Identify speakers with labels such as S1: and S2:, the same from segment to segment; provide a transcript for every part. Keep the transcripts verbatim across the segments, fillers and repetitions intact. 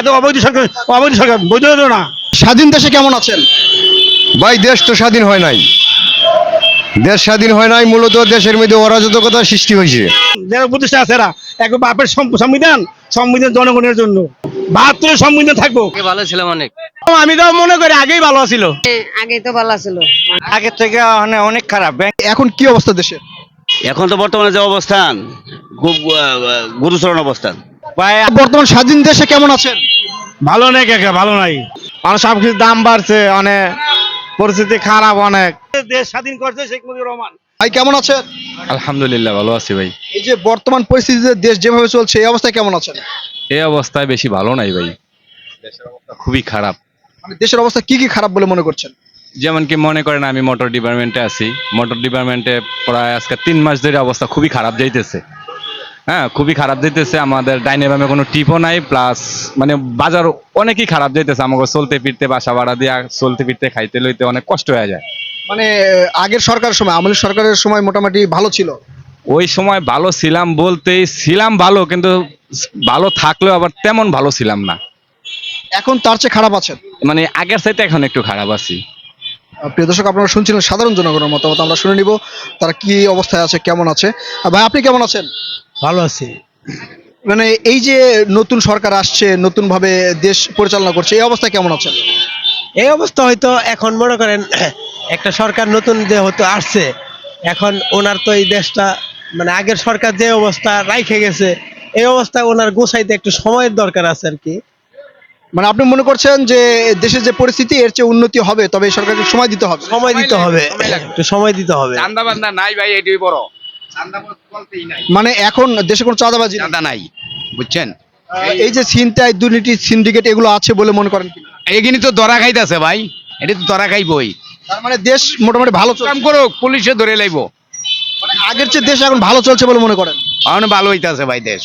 S1: এত অবৈধ সরকার, অবৈধ সরকার বৈধ না।
S2: স্বাধীন দেশে কেমন আছেন?
S3: ভাই দেশ তো স্বাধীন হয় নাই, দেশ স্বাধীন হয় নাই, মূলত দেশের মধ্যে অরাজকতা সৃষ্টি হয়েছে।
S1: যারা প্রতিষ্ঠা আছে এরা এক বাপের সম- সংবিধান, সংবিধান জনগণের জন্য, বাহাত্তরের সংবিধান থাকবো।
S4: ভালো ছিলাম অনেক।
S1: আমি তো মনে করি আগেই ভালো ছিল,
S5: আগে তো ভালো ছিল।
S1: আগের থেকে অনেক খারাপ।
S2: এখন কি অবস্থা দেশে?
S4: এখন তো বর্তমানে যে অবস্থান খুব আহ, গুরুতর অবস্থান।
S1: ভাই
S2: বর্তমান স্বাধীন দেশে কেমন আছেন?
S1: ভালো নেই, কাকা ভালো নাই, মানে সবকিছুর দাম বাড়ছে, অনেক পরিস্থিতি খারাপ অনেক। দেশ স্বাধীন করছে শেখ মুজিবুর রহমান।
S2: ভাই কেমন আছেন?
S6: আলহামদুলিল্লাহ ভালো আছি ভাই।
S2: এই যে বর্তমান পরিস্থিতিতে দেশ যেভাবে চলছে এই অবস্থায় কেমন আছেন?
S6: এই অবস্থায় বেশি ভালো নাই ভাই, দেশের অবস্থা খুবই খারাপ।
S2: মানে দেশের অবস্থা কি কি খারাপ বলে মনে করছেন?
S6: যেমন কি মনে করেন আমি মোটর ডিপার্টমেন্টে আছি, মোটর ডিপার্টমেন্টে প্রায় আজকে তিন মাস ধরে অবস্থা খুবই খারাপ যাইতেছে। হ্যাঁ খুবই খারাপ যাইতেছে, আমাদের ডাইনে বামে কোনো টিপও নাই, প্লাস মানে বাজার অনেকই খারাপ যাইতেছে, আমাকে চলতে ফিরতে বাসা ভাড়া দিয়ে চলতে ফিরতে খাইতে লইতে অনেক কষ্ট হয়ে যায়।
S2: মানে আগের সরকারের সময়, আমলের সরকারের সময় মোটামুটি ভালো ছিল।
S6: ওই সময় ভালো ছিলাম বলতেই ছিলাম ভালো, কিন্তু ভালো থাকলেও আবার তেমন ভালো ছিলাম না,
S2: এখন তার চেয়ে খারাপ আছেন।
S6: মানে আগের চাইতে এখন একটু খারাপ আছি।
S2: আহ, প্রিয় দর্শক, আপনারা শুনছিলেন সাধারণ জনগণের মতামত, আমরা শুনে নিব তারা কি অবস্থায় আছে, কেমন আছে। আহ, ভাই আপনি কেমন আছেন?
S1: ভালো আছে।
S2: মানে এই যে নতুন সরকার আসছে, নতুন ভাবে দেশ পরিচালনা করছে, এই অবস্থায় কেমন আছেন?
S7: এই অবস্থা হয়তো এখন মনে করেন একটা সরকার নতুন যে হয়তো আসছে, এখন ওনার তো এই দেশটা মানে আগের সরকার যে অবস্থা রাইখে গেছে, এই অবস্থায় ওনার গোছাইতে একটু সময়ের দরকার আছে আর কি।
S2: মানে আপনি মনে করছেন যে দেশের যে পরিস্থিতি এর চেয়ে উন্নতি হবে, তবে এই সরকারকে সময় দিতে হবে।
S7: সময় দিতে হবে, একটু সময় দিতে হবে।
S4: চান্দা বান্দা নাই ভাই, এটাই বড়।
S2: মানে এখন দেশে কোনো চাঁদাবাজি নেই।
S4: চান্দা নাই, বুঝছেন?
S2: আহ, এই যে ছিনতাই, দুর্নীতি, সিন্ডিকেট এগুলো আছে বলে মনে করেন কি?
S4: এইখানে তো ধরা খাইতেছে ভাই, এটা তো ধরা খাইবই।
S2: তার মানে দেশ মোটামুটি ভালো চলছে।
S4: কাম করুক, পুলিশে ধরে লাইব।
S2: মানে আগের চেয়ে দেশ এখন ভালো চলছে বলে মনে করেন?
S4: এখন ভালো হইতাছে ভাই দেশ।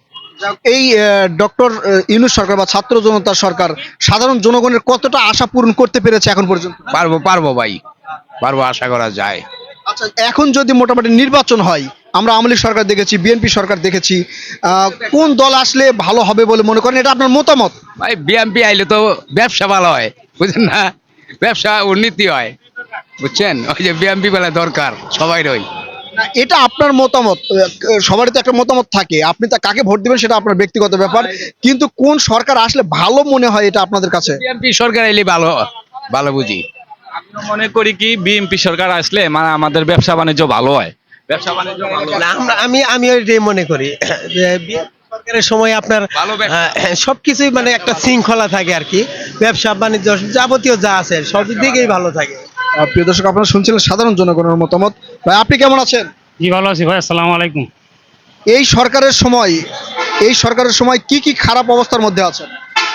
S2: এই ডক্টর ইউনূস সরকার বা ছাত্র জনতার সরকার সাধারণ জনগণের কতটা আশা পূরণ করতে পেরেছে এখন পর্যন্ত?
S4: পারবো পারবো ভাই, পারবো, আশা করা যায়।
S2: আচ্ছা, এখন যদি মোটামুটি নির্বাচন হয়, আমরা আওয়ামী লীগ সরকার দেখেছি, বিএনপি সরকার দেখেছি, আহ, কোন দল আসলে ভালো হবে বলে মনে করেন? এটা আপনার মতামত?
S4: ভাই বিএমপি আইলে তো ব্যবসা ভালো হয়, বুঝছেন না? ব্যবসা উন্নতি হয়, বুঝছেন? ওই যে বিএমপি বেলা দরকার সবাই রই।
S2: না, এটা আপনার মতামত, আহ, সবারই তো একটা মতামত থাকে, আপনি তা কাকে ভোট দিবেন সেটা আপনার ব্যক্তিগত ব্যাপার, কিন্তু কোন সরকার আসলে ভালো মনে হয় এটা আপনাদের কাছে?
S4: বিএমপি সরকার আইলে ভালো, ভালো বুঝি।
S6: আমি মনে করি কি বিএনপি সরকার আসলে মানে আমাদের ব্যবসা বাণিজ্য ভালো হয়, ব্যবসা বাণিজ্য ভালো হয়।
S7: না, আমরা আমি আমি ওইটাই মনে করি যে বিএনপি সরকারের সময় আপনার
S4: ভালো ব্যবসা।
S7: আহ, সবকিছুই মানে একটা শৃঙ্খলা থাকে আর কি, ব্যবসা বাণিজ্য যাবতীয় যা আছে সব দিকেই ভালো থাকে।
S2: আহ, প্রিয় দর্শক, আপনারা শুনছিলেন সাধারণ জনগণের মতামত। ভাই আপনি কেমন আছেন?
S1: জি ভালো আছি ভাই, আসসালামু আলাইকুম।
S2: এই সরকারের সময়, এই সরকারের সময় কি কি খারাপ অবস্থার মধ্যে আছেন?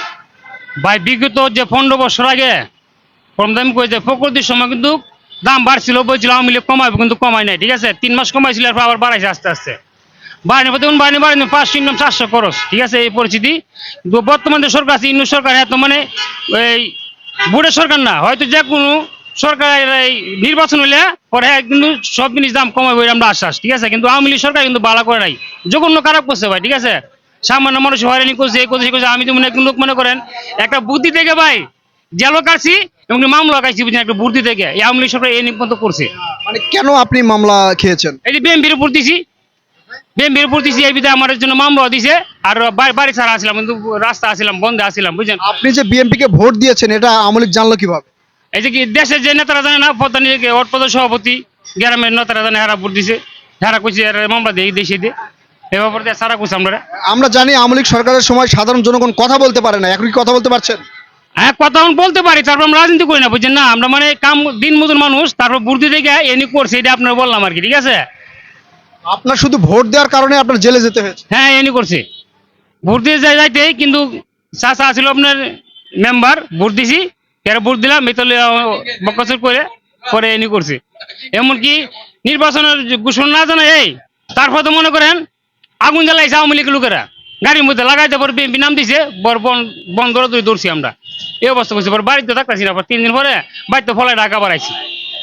S8: ভাই বিগত যে পনেরো বছর আগে কম দাম করে যে প্রকৃতির সময় কিন্তু দাম বাড়ছিল, বলছিল আওয়ামী লীগ কমাইবে, কিন্তু কমাই নাই। ঠিক আছে, তিন মাস কমাইছিল, এরপর আবার বাড়াইছে আস্তে আস্তে। বাড়িনি দেখুন, বাড়িনি বাড়িনি পাঁচশো ইনকাম চারশো খরচ। ঠিক আছে, এই পরিস্থিতি। কিন্তু বর্তমানে যে সরকার আছে, ইন্নু সরকার, এত মানে এই বুড়ের সরকার না, হয়তো যে কোনো সরকারের এই নির্বাচন হইলে পরে হ্যাঁ কিন্তু সব জিনিস দাম কমাবে আমরা আশ্বাস। ঠিক আছে, কিন্তু আওয়ামী লীগ সরকার কিন্তু বালা করে নাই, জঘন্য খারাপ করছে ভাই। ঠিক আছে, সামান্য মানুষ হয়রানি করছে, এই করছে, এই করছে। আমি তো মনে কিন্তু মনে করেন একটা বুদ্ধি থেকে ভাই জেলও কাটছি এবং মামলা কাটছি, বুঝছেন, একটা বুদ্ধি থেকে এই আওয়ামী লীগ সরকার এই নিপন্ত করছে।
S2: মানে কেন আপনি মামলা খেয়েছেন?
S8: এই যে বিএমপির উপর দিছি, বিএমপির উপর দিছি, এই বিধায় আমার জন্য মামলা দিছে। আর বাড়ি বাড়ি ছাড়া আসলাম, কিন্তু রাস্তা আসছিলাম, বন্ধে আসছিলাম, বুঝছেন।
S2: আপনি যে বিএনপি কে ভোট দিয়েছেন এটা আওয়ামী লীগ জানলো কিভাবে?
S8: এই যে কি দেশের যে নেতারা জানে না, প্রধান অটপদ সভাপতি গ্রামের নেতারা জানে, হারা ভোট দিছে, হারা কইছে মামলা দিয়ে দেশে দিয়ে এ ব্যাপারে দিয়ে সারা কইছে আমরা।
S2: আমরা জানি আওয়ামী লীগ সরকারের সময় সাধারণ জনগণ কথা বলতে পারে না, এখন কি কথা বলতে পারছেন?
S8: হ্যাঁ, কথা আমি বলতে পারি, তারপর আমরা রাজনীতি করি না, বুঝছেন না। আমরা মানে কাম দিন মজুর মানুষ, তারপর বুদ্ধি থেকে এনি করছে, এটা আপনার বললাম আর কি। ঠিক আছে,
S2: আপনার শুধু ভোট দেওয়ার কারণে আপনার জেলে যেতে হয়েছে?
S8: হ্যাঁ এনি করছে, ভোট দিয়ে যাই যাইতে, কিন্তু চাচা ছিল আপনার মেম্বার, ভোট দিছি, এরা ভোট দিলাম, এতলে বকচর করে পরে এনি করছে। এমনকি নির্বাচনের ঘোষণা না জানা এই তারপর তো মনে করেন আগুন জ্বালাইছে আওয়ামী লীগের লোকেরা, গাড়ির মধ্যে লাগাইতে পরে বিএনপি নাম দিছে, বর বন ধরে ধরে দৌড়ছি আমরা, এই অবস্থা করছি। পরে বাড়িতে থাকতেছি না, তিন দিন পরে বাড়িতে ফলায় ঢাকা বাড়াইছি।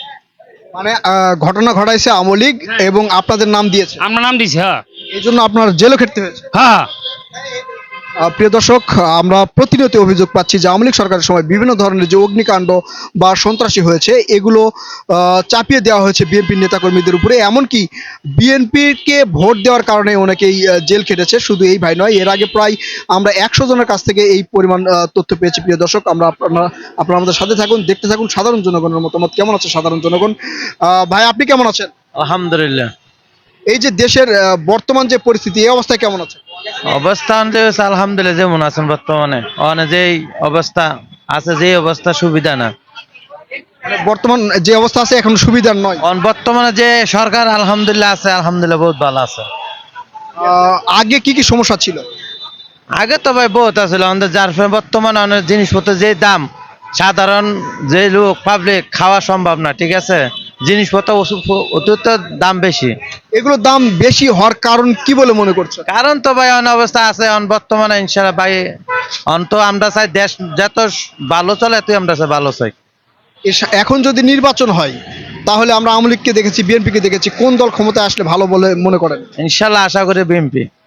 S2: মানে আহ, ঘটনা ঘটাইছে আওয়ামী লীগ এবং আপনাদের নাম দিয়েছে,
S8: আমরা নাম দিছি। হ্যাঁ
S2: এই জন্য আপনার জেলও খেটতে হয়েছে।
S8: হ্যাঁ,
S2: আহ, প্রিয় দর্শক, আমরা প্রতিনিয়ত অভিযোগ পাচ্ছি যে আওয়ামী লীগ সরকারের সময় বিভিন্ন ধরনের যে অগ্নিকাণ্ড বা সন্ত্রাসী হয়েছে এগুলো আহ, চাপিয়ে দেওয়া হয়েছে বিএনপির নেতাকর্মীদের উপরে। এমনকি বিএনপিকে ভোট দেওয়ার কারণে অনেকেই আহ, জেল খেটেছে। শুধু এই ভাই নয়, এর আগে প্রায় আমরা একশো জনের কাছ থেকে এই পরিমাণ আহ, তথ্য পেয়েছি। প্রিয় দর্শক, আমরা আপনারা আপনারা আমাদের সাথে থাকুন, দেখতে থাকুন সাধারণ জনগণের মতামত কেমন আছে সাধারণ জনগণ। আহ, ভাই, আপনি কেমন আছেন?
S5: আলহামদুলিল্লাহ।
S2: এই যে দেশের আহ, বর্তমান যে পরিস্থিতি, এই অবস্থায় কেমন আছে?
S5: অবস্থা অনুযায়ী হচ্ছে আলহামদুলিল্লাহ যেমন আছেন বর্তমানে অনে যেই অবস্থা আছে যে অবস্থা সুবিধা না।
S2: মানে বর্তমান যে অবস্থা আছে এখন সুবিধার নয়।
S5: অন বর্তমানে যে সরকার আলহামদুলিল্লাহ আছে, আলহামদুলিল্লাহ বহুত ভালো আছে।
S2: আহ, আগে কি কি সমস্যা ছিল?
S5: আগে তো ভাই বহুত আছিল আমাদের, যার ফলে বর্তমানে অনেক জিনিসপত্রের যে দাম, সাধারণ যে লোক পাবলিক খাওয়া সম্ভব না, ঠিক আছে, জিনিসপত্র ওষুধ অতিরিক্ত দাম বেশি।
S2: এগুলোর দাম বেশি হওয়ার কারণ কি বলে মনে করছেন?
S5: কারণ তো ভাই অনেক অবস্থা আছে অন বর্তমানে ইনশাল্লাহ ভাই অন তো আমরা চাই দেশ যত ভালো চলে তুই আমরা চাই ভালো চাই।
S2: এস- এখন যদি নির্বাচন হয় তাহলে আমরা আওয়ামী লীগকে দেখেছি, বিএনপিকে দেখেছি, কোন দল ক্ষমতায় আসলে ভালো বলে মনে করেন?
S5: ইনশাল্লাহ আশা করি বিএনপি।